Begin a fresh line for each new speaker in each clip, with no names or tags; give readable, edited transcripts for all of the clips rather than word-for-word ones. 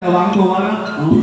ระวังตัวแล้ว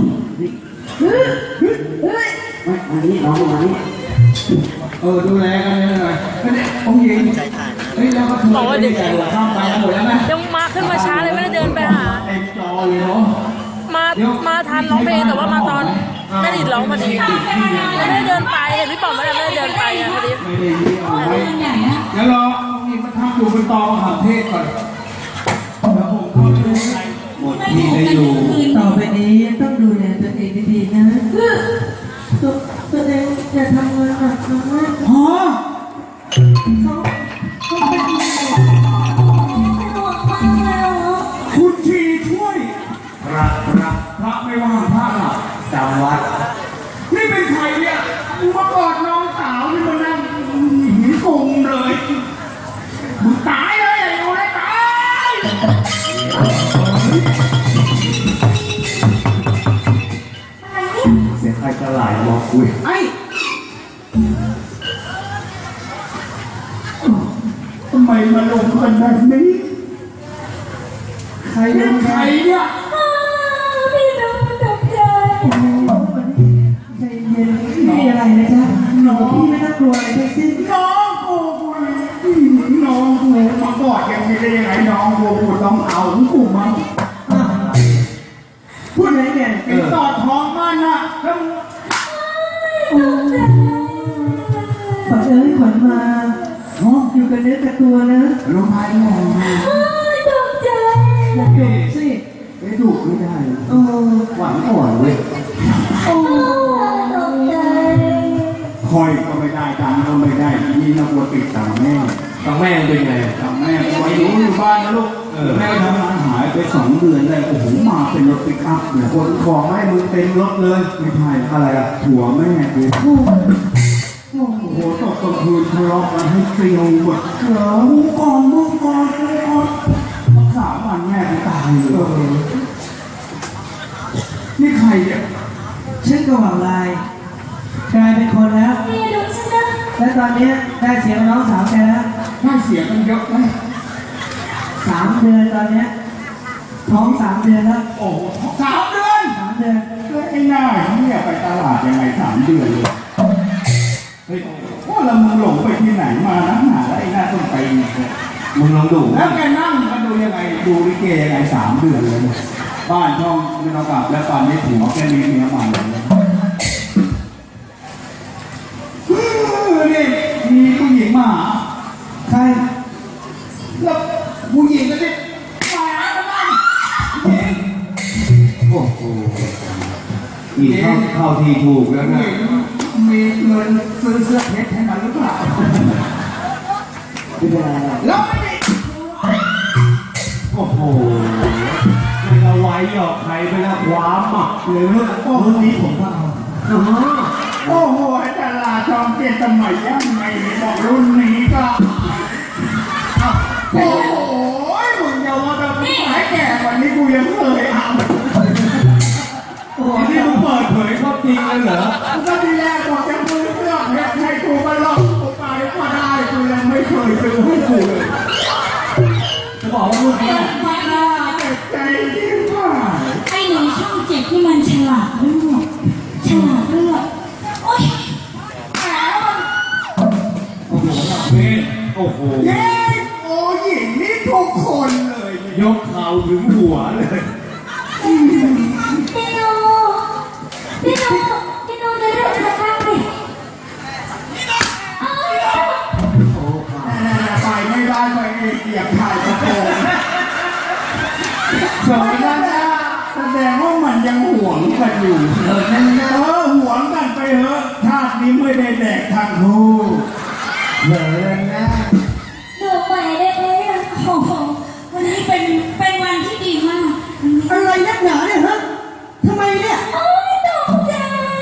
ไม่มานี่น้องมานี่
ดูแลกันหน่อยเนี่ยองค์หญิงเฮ้ยแล้วก็บอกว่าเด็กข้ามไปหมดแล้วนะ
ยังมาขึ้นมาช้าเลยไม่ได้เดินไปหา
เต็มจอเลยเนาะ
มาทันร้องเพลงแต่ว่ามาตอนแม่ดิดร้องพอดีไม่ได้เดินไปเห็นพี่ป๋อมไม่ได้เดินไปอ่ะพอดี
ไม่ได้เดี๋ยวรอองค์หญิงมาทำอยู่บนตอมหาเทศก่อนแล้วผมเข้าไปหมดที่ได้อยู่
ต่อไปนี้ต้องดูแลตัวเองดีๆนะตัวเองอย่าทำงานหนักมาก
ฮะคุณชีช่วยพระไม่ว่างพระหลับจำวัดนี่เป็นใครเนี่ยมึงมากอดน้องสาวที่มันนั่งหินกงเลยมึงตายเลยไอ้โอ้ยตายเสียงใครจะไหลมองคุยไอ้ทำไมมาลงกันแบบนี้ใครเป็นใครเนี่ย
พี่น้องตกใจ
ใจเย็นไม่มีอะไรนะจ๊ะน้องพี่ไม่ต้องกลัวอะไรทั้งสิ้น
น้องกูมากอดอย่างนี้ได้ยังไงน้องกูต้องเอากูมา
พูดอะไรเนี่ย
เป็นสอดท้องมันนะแล้ว
ขวัญขวัญมาอยู่กันเนื้อกับตัวนะ
รู้ไหมมอง
ตกใจ
อย่าดุสิ
ไม่ดุไม่ได้หวานอ่อนเว้ย
ตกใจ
คอยก็ไม่ได้ตังก็ไม่ได้นี่นักวัวติดตังแม่เป็นไงตังแม่ไว้อยู่บ้านนะลูกแม่ทำงานหายไป2 เดือนเลยโอ้โหมาเป็นรถปิกอัพเนี่ยคนของให้มึงเต็มรถเลยไม่ใช่อะไรอะผัวแม่กูโอ้โหตกกลางคืนทะเลาะกันให้เกลียวหมดมึงก่อนรักษาบ้านแม่กูตายเลยนี่ใครเนี่ย
ชื่อกระหว่างลายกลายเป็นคนแล้วและตอนนี้ได้เสียงน้องสาวแกแล้ว
ได้เสียกันเยอะไหม
3 เดือนตอนนี้ท้อง3 เดือนแล้ว
โอ้3 เดือนไอ้หน้าเนี่ยไปตลาดยังไง3 เดือนเลยเฮ้ยว่าเรามึงหลงไปที่ไหนมานะหาไอ้หน้าต้องไปมึงลองดูแล้วแกนั่งมาดูยังไงดูลิเกยังไง3 เดือนเลยบ้านช่องไม่ต้องกลับแล้วตอนนี้ผัวแกมีเมียใหม่เลยนี่มีผู้หญิงมา
ใคร
แล้วผู้หญิงก็จะมาบ้านโอ้โหอีกเข้าทีถูกแล้วนะมีเงินซื้อเสื้อเพชรให้มันหรือเปล่า
ไม่ได้
แล้วไม่ได้โอ้โหไม่ละไว้หรอกใครไปละความอ่ะเลยเรื่องนี้ผมก็เอาโอ้โหดาราช่อง7สมัยยังไงบอกรุ่นนี้ก็โอ้โหมึงอย่าว่าแบบสายแก่กว่านี้กูยังเคยเอาโอ้โหนี่มึงเปิดเผยความจริงเลยเหรอก็ทีแรกบอกจะมือเสื้อเพชรให้กูมาลองกูไปก็ได้กูยังไม่เคยซื้อให้กูเลยจะบอกว่าพูดเนี่ยมาหน้าเจ็บใจยิ่งกว่า
ไอ้หนูช่อง7ที่มันฉลาดเลือกโอ๊ย
โอ้โหโอ้โหเย้โอ้ยนี่ทุกคนเลยยกเข่าถึงหัวเลย
พี่โนจะเลือกจะทำดิ
ไปไม่ได้ไปเกียบถ่ายกระโปรงสมัยนั้นแสดงว่ามันยังหวงกันอยู่หวงกันไปเถอะชาตินี้ไม่ได้แดกทางคู่
เลยนะ
ดูใหม่ได้เลยโอ้โหวันนี้เป็นวันที่ดีมาก
อะไรนักหนาเนี่ยฮะทำไมเนี่ย
โอ้ยตกใจ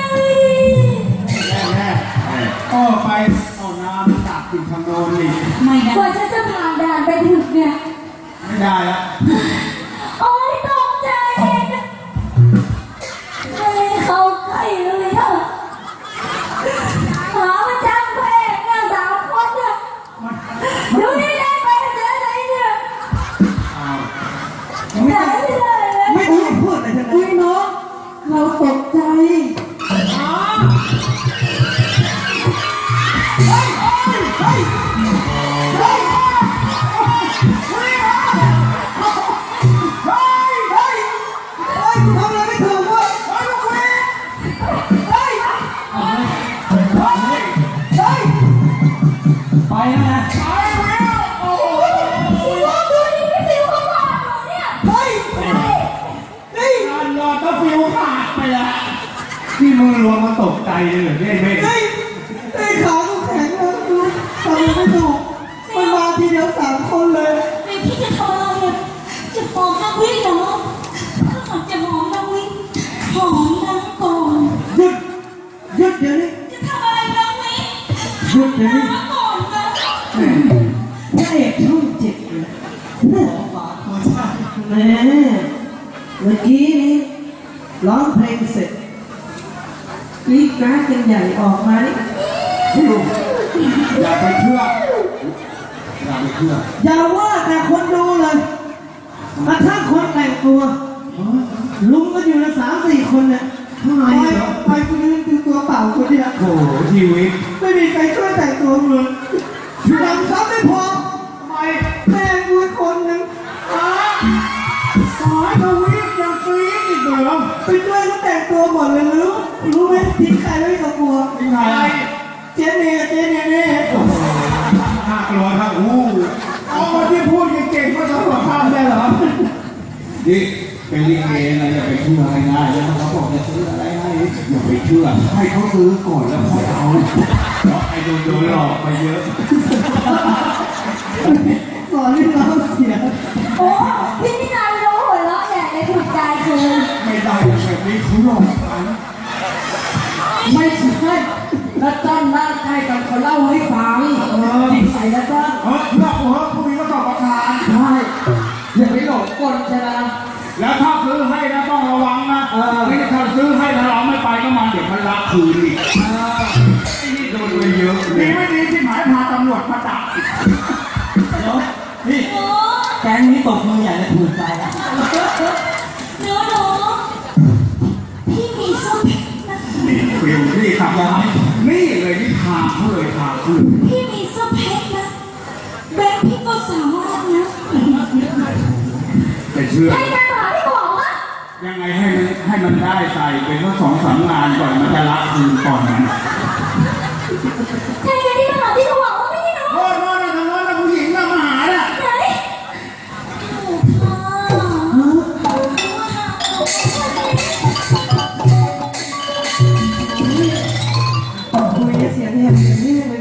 แน่ไปเอาน้ำตักกินทางโน้นนี่
ไม่ได้กว่าฉันจะผ่านด่านไปถึงเนี่ย
ไม่ได้ละ
โอ้ยตกใจไม่เข้าใกล้เลยอะหามาจ้างแพงเนี่ย3 คนเนี่ยดูนี่ได้ไปเจออะไรเนี่ย
ไม่ได้พูดอะไรทั้งนั้นกูทำอะไรไม่ถูกเว้ยเฮ้ยเฮ้ยเฮ้ยไปแล้วนะ
โอ้โหดูนี่พี่ฟิวเขาบอกหนูเนี่ย
เฮ้ยนี่
การนอนก็ฟิวขาดไปแล้วที่มือรวมมาตกใจเลยเหรอเนี่ยเม่
เฮ้ยไอ้ขากูแข็งเลยดูทำอะไรไม่ถูกมันมาทีเดียว3 คนเลย
นี่พี่จะทำอะไรเนี่ยจะหอมนางวินเหรอถ้าหากจะหอมนางวินหอมนางก่อน
หยุดเดี๋ยวนี้
จะทำอะไรนางวิน
หยุดเดี๋ยวนี้
นางก่อนนะ
พระเอกช่อง7เลยแม่เมื่อกี้นี้ร้องเพลงเสร็จกรี๊ดกราดกันใหญ่ออกมานี่
ฟิวอย่าไปเชื่ออย่าไปเชื่อ
อย่าว่าแต่คนดูเลยกระทั่งคนแต่งตัวลุมกันอยู่ละ3-4 คนเนี่ยทำไมไปคนนึงคือตัวเปล่าคนเดียว
โอ้โหชีวิต
ไม่มีใครช่วยแต่งตัวเลยทำซ้ำไม่พอทำไมแม่กูอีกคนนึง
สายทวีปยังกรี๊ดอีกเหรอ
ไปช่วยเขาแต่งตัวหมดเลยรู้ไหมทิ้งใครไว้กับบัว
ยังไง
เจ๊เน่
น่ากลัวครับอ๋อที่พูดเก่งๆก็จะหัวข้ามได้เหรอนี่เป็นลิเกนะอย่าไปเชื่อง่ายๆแล้วเขาบอกจะซื้ออะไรให้อย่าไปเชื่อให้เขาซื้อก่อนแล้วค่อยเอาเพราะไอ้โดนหลอกไปเยอะ
สอนให้เราเสีย
โอ้พี่นี่นายรู้หัวเราะใหญ่เลยถูกใจคือ
ไม่ได้แบบนี้เขาหลอกกัน
ไม่ใช่แล้วจ้อนนั่งใกล้กันเขาเล่าให้ฟังนิสัยแล้วจ้อน
เลือกหัวพวกนี้ก็ต้องประทาน
ใช่อย่าไปหลงกลใช่ไหม
แล้วถ้าซื้อให้นะต้องระวังนะไม่ใช่ถ้าซื้อให้แล้วเราไม่ไปก็มันเดี๋ยวมันรักคืนอีกไอ้นี่โดนไปเยอะดีไม่ดีที่หมายพาตำรวจมาจับ
นี่
โอ้
แก๊งนี้ตบมือใหญ่เลยถูกใจแล้ว
หนูพี่มีส้มเพชรนะ
นี่ฟิวนี่ครับนี่เลยนี่ทางเขาเลยทางเขาเลย
พี่มีส้มเพชรนะแบงค์พี่ก็สามารถนะ
แต่เชื่อ
ให้การหาที่บอกว่า
ยังไงให้มันได้ใส่เป็นสัก2-3 งานก่อนมันจะรักคืนก่อนนั้น
ให้การที่มาหาที่เขาบอกว่าไม่ได้เนาะ
โอ้โหทางโน้นผู้หญิงน่ะมาหาน่ะ
ไหนโอ้ค่ะ
คุยเสียงแหบอย่างนี้เลย